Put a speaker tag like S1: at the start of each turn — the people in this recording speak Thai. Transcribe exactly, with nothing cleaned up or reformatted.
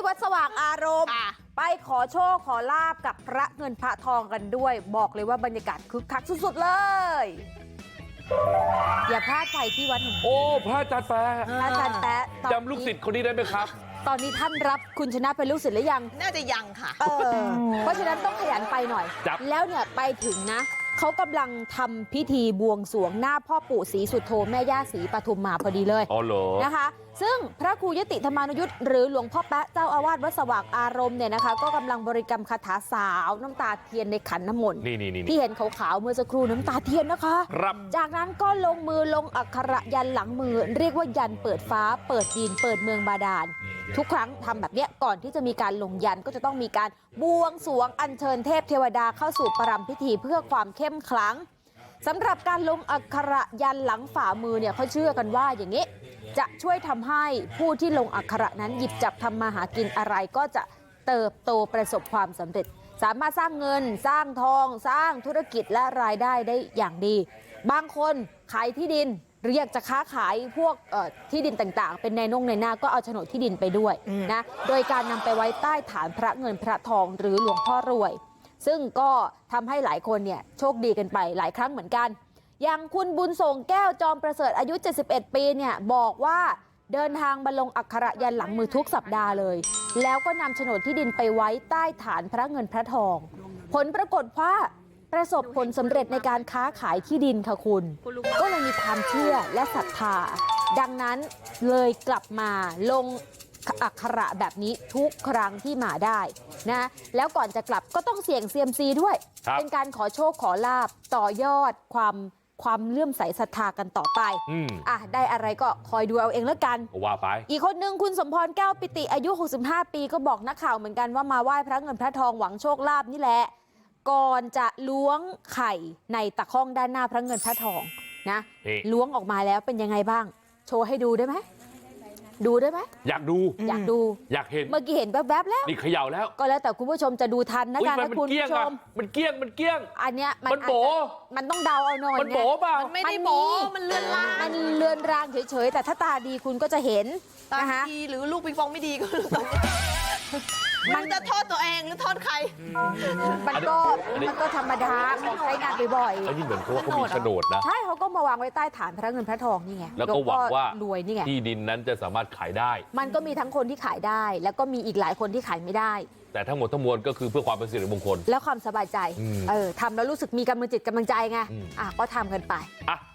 S1: วัดสว่างอารมณ์ไปขอโชคขอลาบกับพระเงินพระทองกันด้วยบอกเลยว่าบรรยากาศคึกคักสุดๆเลยอย่าพลาดไปที่วัดแห่งนี้
S2: โอ้พระอาจารย์แปะ
S1: อาจารย์แปะ
S2: จำลูกศิษย์คนนี้ได้ไหมครับ
S1: ตอนนี้ท่านรับคุณชนะเป็นลูกศิษย์หรือยัง
S3: น่าจะยังค่ะ
S1: เออเพราะฉะนั้นต้องขยันไปหน่อยแล้วเนี่ยไปถึงนะเขากำลังทำพิธีบวงสรวงหน้าพ่อปู่ศรีสุโธแม่ย่าศรีปทุมมาพอดีเลย
S2: อ๋อเหรอ
S1: นะคะซึ่งพระครูยติธรรมานุยุทธ์หรือหลวงพ่อแป๊ะเจ้าอาวาสวัดสว่างอารมณ์เนี่ยนะคะก็กำลังบริกรรมคาถาสาวน้ำตาเทียนในขันน้ำมนต์ที่เห็นขาวๆเมื่อสักครู่น้ำตาเทียนนะคะ
S2: ครับ
S1: จากนั้นก็ลงมือลงอักขระยันหลังมือเรียกว่ายันเปิดฟ้าเปิดดินเปิดเมืองบาดาลทุกครั้งทำแบบนี้ก่อนที่จะมีการลงยันก็จะต้องมีการบวงสรวงอัญเชิญเทพเทวดาเข้าสู่ประรำพิธีเพื่อความเข้มขลังสำหรับการลงอักขระยันหลังฝ่ามือเนี่ยเขาเชื่อกันว่าอย่างนี้จะช่วยทำให้ผู้ที่ลงอักขระนั้นหยิบจับทำมาหากินอะไรก็จะเติบโตประสบความสำเร็จสามารถสร้างเงินสร้างทองสร้างธุรกิจและรายได้ได้อย่างดีบางคนขายที่ดินหรืออยากจะค้าขายพวกที่ดินต่างๆเป็นในนงในหน้าก็เอาโฉนดที่ดินไปด้วยนะโดยการนำไปไว้ใต้ฐานพระเงินพระทองหรือหลวงพ่อรวยซึ่งก็ทำให้หลายคนเนี่ยโชคดีกันไปหลายครั้งเหมือนกันอย่างคุณบุญส่งแก้วจอมประเสริฐอายุเจ็ดสิบเอ็ดปีเนี่ยบอกว่าเดินทางมาลงอักขระยันหลังมือทุกสัปดาห์เลยแล้วก็นำโฉนดที่ดินไปไว้ใต้ฐานพระเงินพระทองผลปรากฏว่าประสบผลสำเร็จในการค้าขายที่ดินค่ะคุณก็เลยมีความเชื่อและศรัทธาดังนั้นเลยกลับมาลงอักขระแบบนี้ทุกครั้งที่มาได้นะแล้วก่อนจะกลับก็ต้องเสี่ยงเซียมซีด้วยเป็นการขอโชคขอลาบต่อยอดความความเลื่อมใสศรัทธากันต่อไปอ่ะได้อะไรก็คอยดูเอาเองแล้วกัน
S2: ว่าไป
S1: อีกคนนึงคุณสมพรแก้วปิติอายุหกสิบห้าปีก็บอกนักข่าวเหมือนกันว่ามาไหว้พระเงินพระทองหวังโชคลาภนี่แหละก่อนจะล้วงไข่ในตะข้องด้านหน้าพระเงินพระทองนะล้วงออกมาแล้วเป็นยังไงบ้างโชว์ให้ดูได้ไหมดูได้ไหม
S2: อยากดู
S1: อยากดู
S2: อยากเห็น
S1: เมื่อกี้เห็นแวบๆแล้ว
S2: นี่เขย่าแล้ว
S1: ก็แล้วแต่คุณผู้ชมจะดูทันนะการนะคุณผู้ชม
S2: มันเกี้ยงมันเกี้ยง
S1: อันเนี้ย
S2: มันโบ
S1: มันต้องเดาเอาหน่อย
S2: มันโบป่ะ
S3: มันไม่ได้โบมันเลือนลาง
S1: มันเลือนรางเฉยๆแต่ถ้าตาดีคุณก็จะเห็น
S3: ตาดีหรือลูกปิงปองไม่ดีก็มันจะโทษตัวเองหรือโทษใคร
S1: มันก็มันก็ธรรมดาของใช้งานบ่อยๆ
S2: ไอ้นี่เหมือนเขาว่าเขามีโฉนดนะ
S1: ใช่เขาก็มาวางไว้ใต้ฐานพระเงินพระทองนี่ไง
S2: แล้วก็หวังว่าร
S1: วยนี่ไง
S2: ที่ดินนั้นจะสามารถขายได้
S1: มันก็มีทั้งคนที่ขายได้แล้วก็มีอีกหลายคนที่ขายไม่ได้
S2: แต่ทั้งหมดทั้งมวลก็คือเพื่อความเป็นสิริมงคล
S1: แล้วความสบายใจเออทำแล้วรู้สึกมีกำลังจิตกำลังใจไงอ่ะก็ทำกันไป
S2: อ่ะ